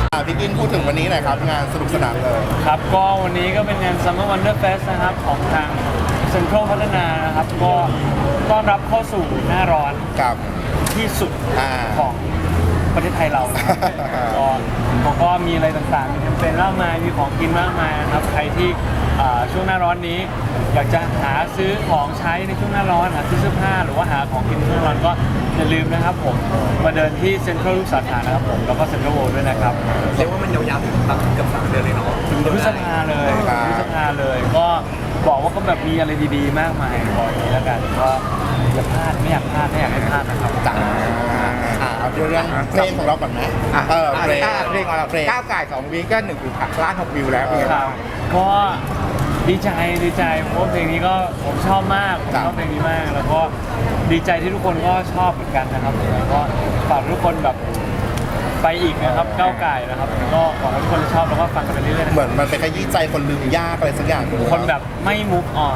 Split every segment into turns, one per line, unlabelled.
พี่กินพูดถึงวันนี้หน่อยครับงานสนุกสนานเลย
ครับก็วันนี้ก็เป็นงาน Summer Wonder Fest นะครับของทางเซ็นทรัลพัฒนานะครับก็ต้อนรับเข้าสู่หน้าร้อน
กับ
ที่สุดของประเทศไทยเรานะครับก็เขาก็มีอะไรต่างๆมีแคมเปญมากมายมีของกินมากมายนะครับใครที่ช่วงหน้าร้อนนี้อยากจะหาซื้อของใช้ในช่วงหน้าร้อนหาซื้อเสื้อผ้าหรือว่าหาของกินในช่วงหน้าร้อนก็อย่าลืมนะครับผมมาเดินที่เซ็นทรัลทุกสาขานะครับผมแล้วก็เซ็นทรัลเวิลด์ด้วยนะครับ
เรียกว่ามันยาวๆถึงแบบเกือบ3 เดือนเลยเนาะ
พฤษภาเลยพฤษภาเลยก็บอกว่าก็แบบมีอะไรดีๆมากมายบอกอย่างนี้แล้วกันก็อย่าพลาดไม่อยากพลาดไม่อยากให้พลาดนะครับ
จ๋าเอาเรื่องเพลงของเราก่อนไหมเพลง
เพลงของเราก้าวไก่2 วีก็1.6 ล้านวิวแล้ว
ครับก็ดีใจเพราะว่าเพลงนี้ก็ผมชอบมากผมชอบเพลงนี้มาก แล้วก็ดีใจที่ทุกคนก็ชอบเหมือนกันนะครับแล้วก็ฝากทุกคนแบบไปอีกนะครับก้าวไก่นะครับก็หวังว่าทุกคนจะชอบแล้วก็ฟังกันไปเรื่อยๆนะ
เหมือนมันเป็นขยี้ใจคนลืมยากอะไรสักอย่าง
คนแบบไม่มุกอ่อน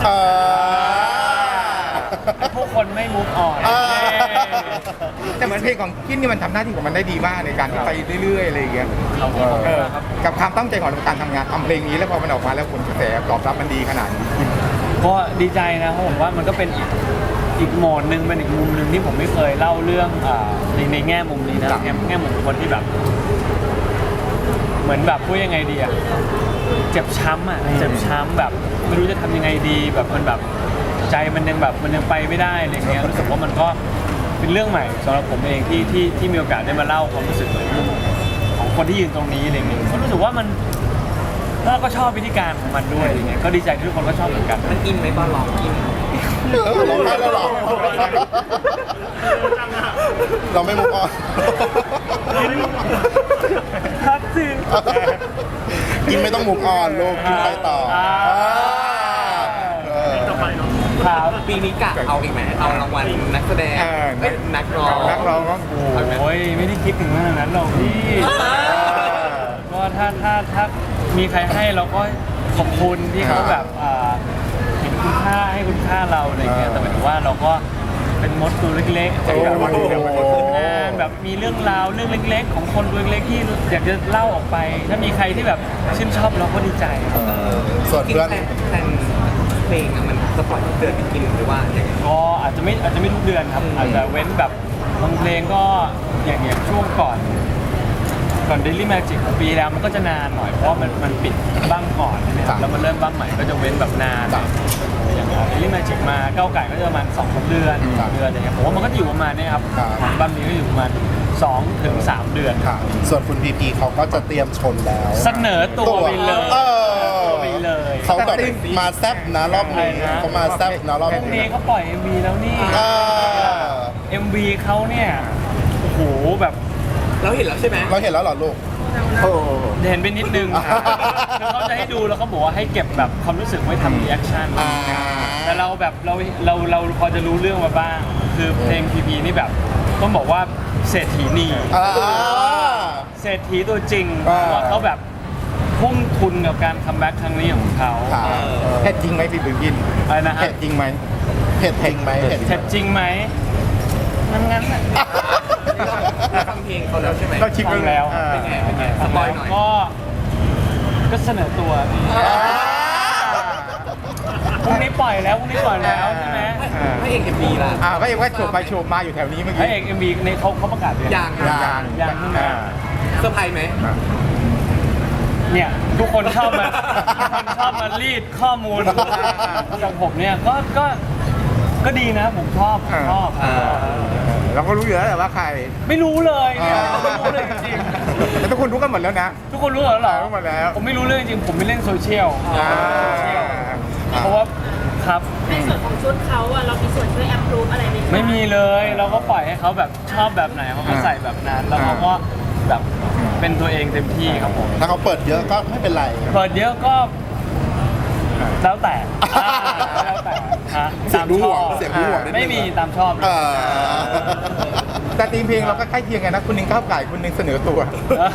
พวกคนไม่มุกอ่อน
แต่เหมือนเพลงของกินนี่มันทำหน้าที่ของมันได้ดีมากในการที่ไปเรื่อยๆอะไรอย่างเงี้ย กับความตั้งใจของเราการทำงานทำเพลงนี้แล้วพอมันออกมาแล้วผลกระแสตอบรับมันดีขนาดนี้
ก็ดีใจนะเพราะผมว่ามันก็เป็นอีกโหมดหนึ่งเป็นอีกมุมหนึ่งที่ผมไม่เคยเล่าเรื่องในแง่มุมนี้นะแง่มุมของคนที่แบบ เหมือนแบบพูดยังไงดีอะเจ็บช้ำอะเจ็บช้ำแบบไม่รู้จะทำยังไงดีแบบมันแบบใจมันยังแบบมันยังไปไม่ได้อะไรเงี้ยรู้สึกว่ามันก็เป็นเรื่องใหม่สำหรับผมเองที่มีโอกาสได้มาเล่าความรู้สึกของคนที่ยืนตรงนี้อะไรเงี้ยก็รู้สึกว่ามันเราก็ชอบวิธีการของมันด้วยอะไรเงี้ยก็ดีใจที่ทุกคนก็ชอบเหมือนกัน
มันอินไหมตอนร้องอิน
ร้องไห้แล้วหรอเราไม่มุกออน
ครับสิ
กินไม่ต้องมุกออนลูกกินไปต่อ
ครับ
ปีนี้กะเอาอีกไหมเอารางวัลนักแสดงนักร้อง
นักร้องก็
โอ้ยไม่ได้คิดถึงขนาดนั้นหรอกพี่ก็ถ้ามีใครให้เราก็ขอบคุณที่เขาแบบเห็นคุณค่าให้คุณค่าเราอะไรเงี้ยแต่หมายถึงว่าเราก็เป็นมดตัวเล็กๆจากแบบว่างานแบบมีเรื่องราวเรื่องเล็กๆ ของคนตัวเล็กๆที่อยากจะเล่าออกไป ถ้ามีใครที่แบบชื่นชอบเราก็ดีใจ
ส่วน
กิน
เพื่อน
แต่เพลงอะมันสปอร์ตเดือนกินหรือว่าอย่างไร
ก็อาจจะไม่ทุกเดือนครับอาจจะเว้นแบบบางเพลงก็อย่างช่วงก่อน Daily Magic ของปีแล้วมันก็จะนานหน่อยเพราะมันปิดบ้างก่อนนะครับแล้วมันเริ่มบ้างใหม่ก็จะเว้นแบบนานอย่าง Daily Magic มาก้าวไก่ก็จะประมาณ2-3 เดือนอะไรเงี้ยผมว่ามันก็อยู่ประมาณนี้ครับบ้างนี้ก็อยู่ประมาณ2-3 เดือน
ค่ะส่วนคุณพีพีเขาก็จะเตรียมชนแล้ว
เสนอตัวไปเลยไปเลย
เขาแบบมาแซบนะรอบนี้เขามาแซบนะรอบ
พรุ่ง
นี้
นี้เขาปล่อย MV แล้วนี่ MV เขาเนี่ยโอ้โหแบบ
เราเห็นแล้วใช่ไหม
เราเห็นแล้วเหรอลูก
เห็นไปนิดนึงคือเขาจะให้ดูแล้วเขาบอกว่าให้เก็บแบบความรู้สึกไว้ทำรีแอคชั่นแต่เราแบบเราพอจะรู้เรื่องมาบ้างคือเพลงพีพีนี่แบบต้องบอกว่าเศรษฐีนีเศรษฐีตัวจริงว่าเขาแบบทุ่มทุนกับการคัมแบ็กครั้งนี้ของเขา
เผ็ดจริงไหมพี่บิ๊กกิน
อะไรนะฮะ
เผ็ดจริงไหม
เผ็ดจริงไหม
เผ็ดจริงไหมงั้น
ฟังเพลงเขาแล้วใช่ไหม
ก็ชิม
ฟังแล้ว
เป็นไงสปอยหน่อย
ก็เสนอตัวพรุ่งนี้ปล่อยแล้วใช่ไหม
พระเอกMVล่ะ
ก็ยังว่าโฉบไปโฉบมาอยู่แถวนี้เมื่อ
พระ
กี้
เอก MV ในเขาประกาศเลย
อย่าง
ยังใช่ไหม
เซอร์ไพรส์ไหม
เนี่ยทุกคนชอบมารีดข้อมูลจากผมเนี่ยก็ดีนะผมชอบ
เราก็รู้อยู่แล้วแหละว่าใคร
ไม่รู้เลยเนี่ยไม่รู้เลยจริง
แต่ทุกคนรู้กันหมดแล้วนะ
ๆทุกคนรู้เหรอ
รู้หมดแล้ว
ผมไม่รู้เรื่องจริงผมไม่เล่นโซเชียลเพราะว่าครับ
ในส่วนของชุดเขาอะเรามีส่วนช่วยแอปพรูฟอะไรไหมคะ
ไม่มีเลยเราก็ปล่อยให้เขาแบบชอบแบบไหนเขาก็ใส่แบบนั้นแล้วเขาก็แบบเป็นตัวเองเต็มที่ครับผม
ถ้าเขาเปิดเยอะก็ไม่เป็นไร
เปิดเยอะก็แล้วแต่ฮะ
เสียงดูห่วงเสียงดูห่วงนิดนึง
ไม่มีตามชอบเลย
แต่ทีมเพลงเราก็ใกล้เคียงกันนะคุณหนึ่งก้าวไก่คุณหนึ่งเสนอตัว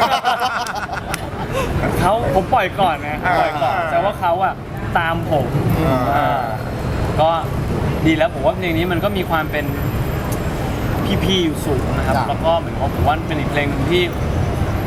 ผมปล่อยก่อนนะปล่อยก่อนแต่ว่าเขาอะตามผมก็ดีแล้วผมว่าเพลงนี้มันก็มีความเป็นพี่ๆอยู่สูงนะครับแล้วก็เหมือนผมว่าเป็นอีกเพลงที่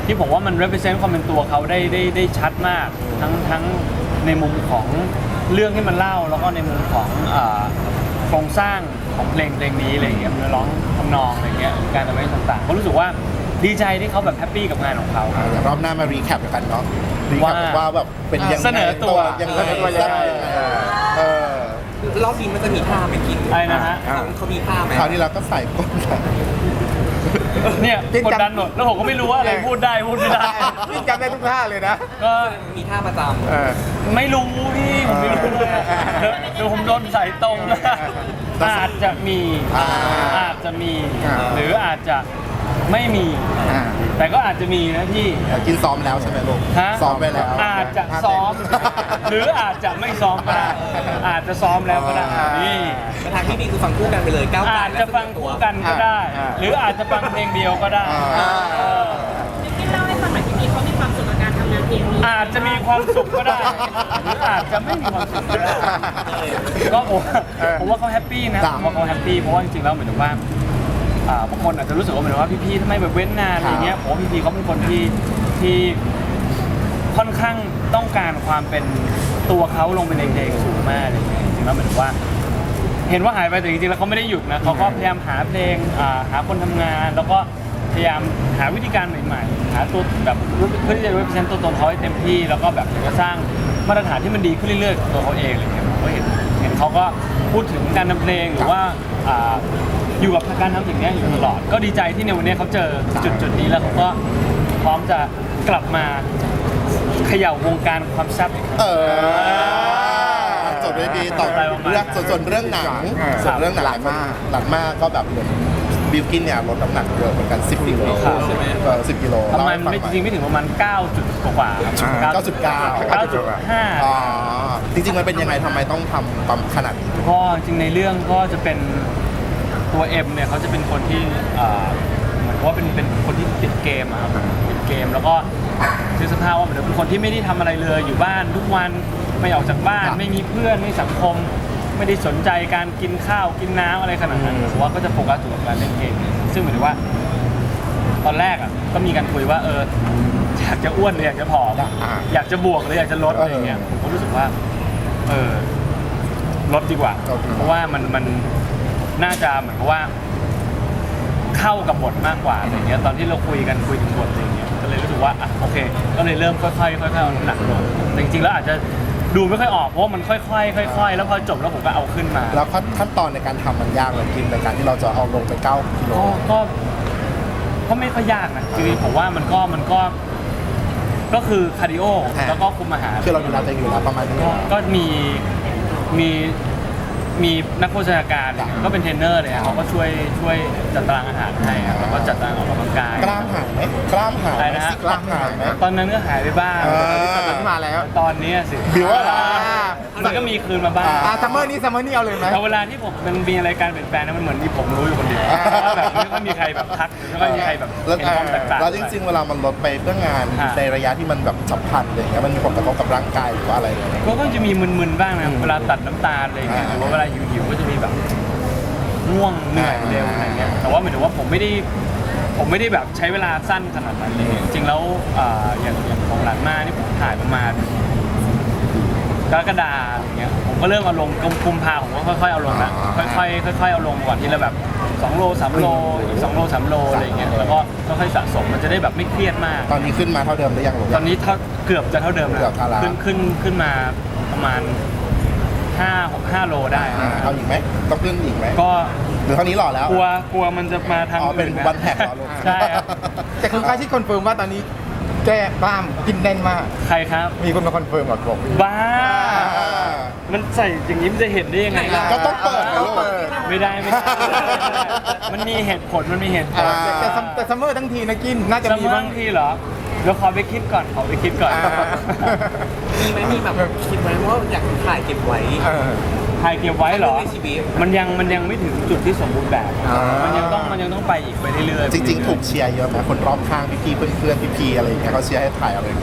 ที่ผมว่ามัน represent ความเป็นตัวเขาได้ชัดมากทั้งในมุมของเรื่องที่มันเล่าแล้วก็ในมุมของโครงสร้างของเพลงนี้อะไรอย่างเงี้ยเนื้อร้องทำนองอะไรเงี้ยการทำให้ต่างๆก็รู้สึกว่าดีใจที่เขาแบบแฮปปี้กับงานของเขา
เดี๋ยวรอบหน้ามารีแคปกันเนาะรีแคปว่าแบบเป็นยังไง
เสนอตัว
ยังไงแซ่บยังไงเออ
รอบนี้มันจะมีท่าไหมกิน
อะไรนะฮะ
เขามีท่าไหม
คราวที่เราก็ใส่ก้นใส่
เนี่ยกดดันหมดแล้วผมก็ไม่รู้ว่าอะไรพูดได้พูดไม่ได้
นี่จำได้ทุกท่าเลยนะ
ก็
มีท่าประจ
ไม่รู้พี่ผมไม่รู้เลยอะเดี๋ยวผมโดนใส่ตรงนะอาจจะมีอาจจะมี หรืออาจจะไม่มี แต่ก็อาจจะมีนะพี่
กินซ้อมแล้วใช่ไหมลูก
ฮะ
ซ้อมไปแล้ว
อาจจะซ้อม หรืออาจจะไม่ซ้อมก็ได้อาจจะซ้อมแล้วก็ได้นี่
ำแต่ทางที่ดีคือฟังคู่กันไปเลยก้าวไกล
อาจ
และ
จะฟังคู่กันก็ได้ หรืออาจจะฟังเพลงเดียวก็ได้เออ
พี่เล่าให้ฟังหน่อยพี่เขามีความสุขกับการทำงานเพลงนี้
อาจจะมีความสุขก็ได้ หรืออาจจะไม่มีความสุขก็ได้ก็ผมว่าเขาแฮปปี้นะผมว่าเขาแฮปปี้เพราะว่าจริงๆแล้วเหมือนกับว่าบางคนอาจจะรู้สึกว่าเหมือนว่าพี่ๆทำไมแบบเว้นนานอะไรเงี้ยผมว่าพี่ๆเขาเป็นคนที่ค่อนข้างต้องการความเป็นตัวเขาลงไปในเพลงสูงมากอะไรเงี้ยจริงๆแล้วเหมือนว่า เห็นว่าหายไปแต่จริงๆแล้วเขาไม่ได้หยุดนะเขาก็พยายามหาเพลงหาคนทำงาน แล้วก็พยายามหาวิธีการใหม่ๆหาตัวแบบเพื่อที่จะ represent ตัวตนเขาให้เต็มที่แล้วก็แบบอยากจะสร้างมาตรฐานที่มันดีขึ้นเรื่อยๆของตัวเขาเองอะไรเงี้ยผมก็เห็นเขาก็พูดถึงการทำเพลงหรือว่าอยู่กับการทำสิ่งนี้อยู่ตลอดก็ดีใจที่ในวันนี้เขาเจอจุดนี้แล้วเขาก็พร้อมจะกลับมาเขย่าวงการความแซ่บอีกครั้ง
จบด้วยดีต่อเรื่องส่วนเรื่องหนังส่วนเรื่องหนังหลังมากก็แบบเหมือนบิลกินเนี่ยลดน้ำหนักเยอะเหมือนกัน10 กิโลใช่ไหม10 กิโล
ประมาณไม่จริงไม่ถึงประมาณ9 จุดกว่าครับ 9.5
อ๋อจริงๆมันเป็นยังไงทำไมต้องทำปั๊มขนาดนี้
ก็จริงในเรื่องก็จะเป็นตัวเอ็มเนี่ยเขาจะเป็นคนที่เหมือนว่าเป็นคนที่ติดเกมอะครับติดเกมแล้วก็คือสภาพว่าเหมือนเป็นคนที่ไม่ได้ทำอะไรเลยอยู่บ้านทุกวันไม่ออกจากบ้านไม่มีเพื่อนไม่มีสังคม ไม่ได้สนใจการกินข้าวกินน้ำอะไรขนาดนั้นผมว่าก็จะโฟกัสอยู่กับการเล่นเกมซึ่งเหมือนว่า ตอนแรกอ่ะก็มีการคุยว่าอยากจะอ้วนหรืออยากจะผอมอยากจะบวกหรืออยากจะลดอะไรอย่างเงี้ยผมก็รู้สึกว่าลดดีกว่า เพราะว่ามันน่าจะเหมือนกับว่าเข้ากับบทมากกว่าอะไรเงี้ยตอนที่เราคุยถึงบทอะไรเงี้ยก็เลยรู้สึกว่าโอเคก็เลยเริ่มค่อยๆเอาน้ำหนักลงแต่จริงๆแล้วอาจจะดูไม่ค่อยออกเพราะมันค่อยๆแล้วพอจบแล้วผมก็เอาขึ้นมา
แล้วขั้นตอนในการทำมันยากเลยกินในการที่เราจะเอาลงไป9 กิโล
ก็ไม่ค่อยยากนะจริงๆผมว่ามันก็คือคาร์ดิโอแล้วก็คุมอาหาร
คือเราดูแลตัวเองอยู่แล้วประมาณนี้
ก็มีนักโภชนาการก็เป็นเทรนเนอร์เลยเขาก็ช่วยจัดตารางอาหารให้แล้วก็จัดตารางออกกำลังกาย
กล้ามหายไหมกล้ามหายไหมซิกกล้ามหายไหม
ตอนนั้นก็หายไปบ้าง
ตอนนี้มาแล้ว
ตอนนี้สิ
บิวว่า
มันก็มีคืนมาบ้าง
ซัมเมอร์นี้เอาเลยไหม
แต่เวลาที่ผมมันมีอะไรการเปลี่ยนแปลงนั้นมันเหมือนที่ผมรู้อยู่คนเดียวแบบไม่ค่อยมีใครแบบทักไม่ค่อยมีใครแบบเห็นความแตกต่าง
แล้วจริงๆเวลามันลดไปเพื่องานในระยะที่มันแบบฉับพลันอะไรอย่างเงี้ยมันมีผลกระทบกับร่างกายหรือว่าอะไร
ก็จะมีมึนๆบ้างนะเวลาตัดน้ำตาลอะไรอย่างเงี้ยหรือว่าเวลาหิวก็จะมีแบบง่วงเหนื่อยเร็วอะไรเงี้ยแต่ว่าหมายถึงว่าผมไม่ได้แบบใช้เวลาสั้นขนาดนั้นเลยจริงๆแล้วอย่างของหลังมานี่ผมถ่ายประมาณกรกฎาอย่างเงี้ยผมก็เริ่มเอาลงกุมภาผมก็ค่อยๆเอาลงละค่อยๆเอาลงก่อนทีละแบบ2 โล 3 โลอีก2 โล 3 โลอะไรอย่างเงี้ยแล้วก็ค่อยๆสะสมมันจะได้แบบไม่เครียดมาก
ตอนนี้ขึ้นมาเท่าเดิมหรือยังลูก
ตอนนี้เกือบจะเท่าเดิมแล้วขึ้นมาประมาณ5 โลได้
เอาอีกไหมต้องขึ้นอีกไหม
ก็
หรือเท่านี้หล่อแล้ว
กลัวมันจะมาทาง
เป็นวันแท็กเหรอลูก
ใช่ครับ
แต่คุณค่าที่คอนเฟิร์มว่าตอนนี้แก้กล้ามกินแน่นมาก
ใครครับ
มีคนมาคอนเฟิร์มบอก
บ้ามันใส่อย่างนี้มันจะเห็นได้ยังไง
ก็ต้องเปิด
ไม่ได้มันมีเหตุผล
แต่ซัมเมอร์ทั้งทีนะกินน่าจะมี
บ้างทีเหรอเดี๋ยวขอไปคิดก่อน
มีแบบคิดไว้ว่าอยากถ่ายเก็บไว้
เหรอมันยังไม่ถึงจุดที่สมบูรณ์แบบมันยังต้องไปอีกไปเรื่อย
ๆจริงๆถูกเชียร์เยอะไหมคนรอบข้างพี่ๆเพื่อนๆพี่ๆอะไรอย่างเงี้ยเขาเชียร์ให้ถ่ายอะไรอย่างเงี้ย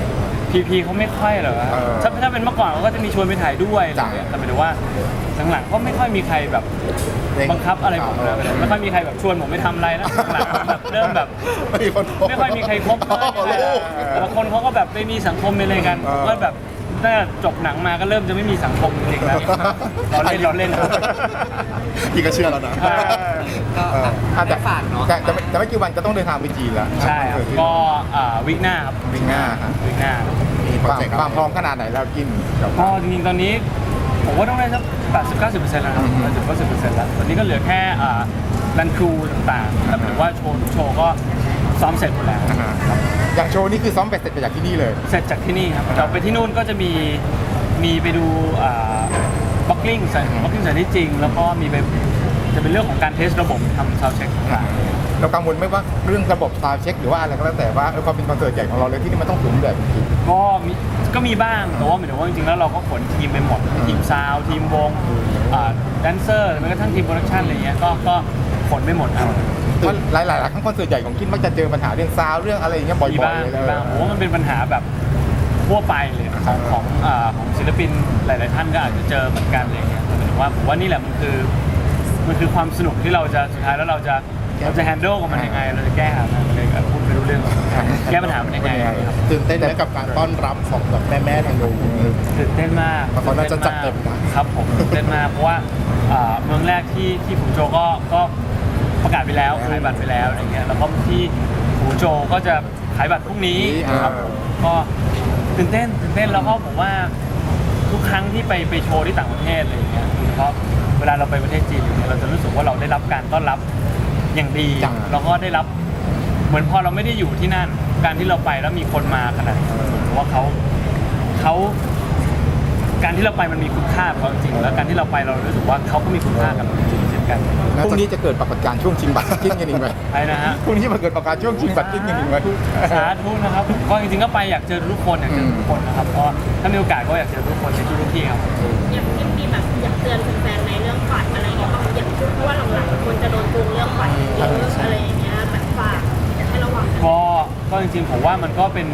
พีเขาไม่ค่อยหรอกครับถ้าเป็นเมื่อก่อนเขาก็จะมีชวนไปถ่ายด้วยอะไรอย่างเงี้ยแต่หมายถึงว่าหลังๆก็ไม่ค่อยมีใครแบบบังคับอะไรผมนะไม่ค่อยมีใครแบบชวนผมไปทำอะไรนะหลังๆแบบเริ่มแบบ ไม่ค่อยมีใครคบแต่ละคนเขาก็แบบไปมีสังคมไปเลยกันผมก็แบบตั้งแต่จบหนังมาก็เริ่มจะไม่มีสังคมจริงๆแล้วเราเล่นครับ
พี่ก็เชื่อแล้วนะ
ก็ได้ฝากเนาะ
แต่ไม่กี่วันจะต้องเดินทางไปจีนแล้ว
ใช่ครับก็วิกหน้าครับ
วิ่งหน้าครับ
วิกหน้า
มีโปรเจกต์
ความพร้อมขนาดไหนแล้วกินกับ
ก็จริงๆตอนนี้ผมว่าต้องได้สัก80-90%แล้วนะครับ80-90%แล้วตอนนี้ก็เหลือแค่รันครูต่างๆแต่หมายถึงว่าโชว์ก็ซ้อมเสร็จหมดแล้ว
อย่างโชว์นี่คือซ้อมเสร็จไปจากที่นี่เลย
เสร็จจากที่นี่ครับเราไปที่นู่นก็จะมีไปดูบ็อกกิ้งสถานที่จริง แล้วก็มีไปจะเป็นเรื่องของการเทสระบบทำซาวด์เช็คต่างๆ
เรากังวลไหมว่าเรื่องระบบซาวด์เช็คหรือว่าอะไรก็แล้วแต่ว่าความเป็นคอนเสิร์ตใหญ่ของเราเลยที่นี่มันต้องสูงแบบจริง
ก็มีบ้างแต่ว่าหมายถึงว่าจริงๆแล้วเราก็ขนทีมไปหมดทีมซาวด์ทีมวงแดนเซอร์แม้กระทั่งทีมโปรดักชันอะไรเงี้ยก็ขนไปหมดครับ
เพราะหลายๆครั้งคอนเสิร์ตใหญ่ของกินมักจะเจอปัญหาเรื่องซาวด์เรื่องอะไรอย่างเงี้ยบ่อย
มี
ๆ
บ้าง
เลย
มีบ้างผมว่ามันเป็นปัญหาแบบทั่วไปเลยของศิลปินหลายๆท่านก็อาจจะเจอเหมือนกันอะไรเงี้ยหมายถึงว่าผมว่านี่แหละมันคือความสนุกที่เราจะสุดท้ายแล้วเราจะแฮนด์ลกับมันยังไงเราจะแก้หามันเลยพูดไม่รู้เรื่องแก้ปัญหามันยังไงครับ
ตื่นเต้นไหมกับการต้อนรับของแบบแม่ๆทางนู้น
ตื่นเต้นมาก
เพราะเขาน่าจะจัดเต็มนะครับ
ผมตื่นเต้นมากเพราะว่าเมืองแรกที่ฟูโจก็ประกาศไปแล้วขายบัตรไปแล้วอะไรเงี้ยแล้วก็ที่ฟูโจก็จะขายบัตรพรุ่งนี้ครับผมก็ตื่นเต้นแล้วก็ผมว่าทุกครั้งที่ไปโชว์ที่ต่างประเทศอะไรเงี้ยโดยเฉพาะเวลาเราไปประเทศจีนเราจะรู้สึกว่าเราได้รับการต้อนรับอย่างดีแล้วก็ได้รับเหมือนพอเราไม่ได้อยู่ที่นั่นการที่เราไปแล้วมีคนมาขนาดนี้ผมว่าเขาการที่เราไปมันมีคุณค่ากับเขาจริงๆแล้วการที่เราไปเรารู้สึกว่าเขาก็มีคุณค่ากับเราจริงๆเช่นกัน
พรุ่งนี้จะเกิดปรากฏการณ์ช่วงชิงบัตรกินกันอีกไหม
ใช่นะฮะ
พรุ่งนี้มาเกิดปรากฏการณ์ช่วงชิงบัตรกินกันอีกไหม
สาธุนะครับก็จริงๆก็ไปอยากเจอทุกคนอยากเจอทุกคนนะครับก็ถ้ามีโอกาสก็อยากเจอทุกคนในทุกที่ครับ
อย่างที่มีแบบอยากเตือนแฟนๆในเรื่องบัตรอะไรอย่างเงี้ยบางอย่างเพราะว่าหลังๆคนจะโดนโกงเรื่องบัตรเยอะอะไรอย่างเงี้ยแบบฝากให้ระวังกัน
ก็จริงๆผมว่ามันก็เป็น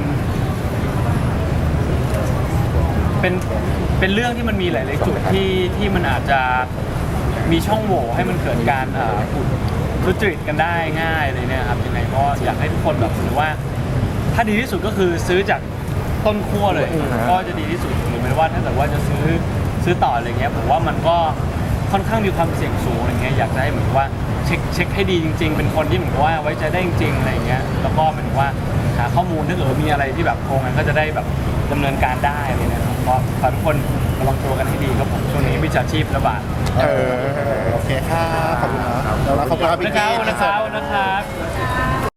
เรื่องที่มันมีหลายๆจุดที่มันอาจจะมีช่องโหว่ให้มันเกิดการทุจริตกันได้ง่ายเลยเนี่ยครับยังไงก็อยากให้ทุกคนแบบหรือว่าถ้าดีที่สุดก็คือซื้อจากต้นขั้วเลยก็จะดีที่สุดหรือไม่ว่าถ้าเกิดว่าจะซื้อต่ออะไรเงี้ยผมว่ามันก็ค่อนข้างมีความเสี่ยงสูงอะไรเงี้ยอยากจะให้เหมือนว่าเช็คให้ดีจริงๆเป็นคนที่เหมือนกับว่าไว้ใจได้จริงๆอะไรเงี้ยแล้วก็เหมือนว่าหาข้อมูลถ้าเกิดมีอะไรที่แบบโกงกันก็จะได้แบบดำเนินการได้เลยนะครับเพราะทุกคนระวังตัวกันให้ดีครับผมช่วงนี้มิจฉาชีพระบาด
โอเคค่ะขอบคุณนะแล้วขอบคุณครับพี่
นะครับ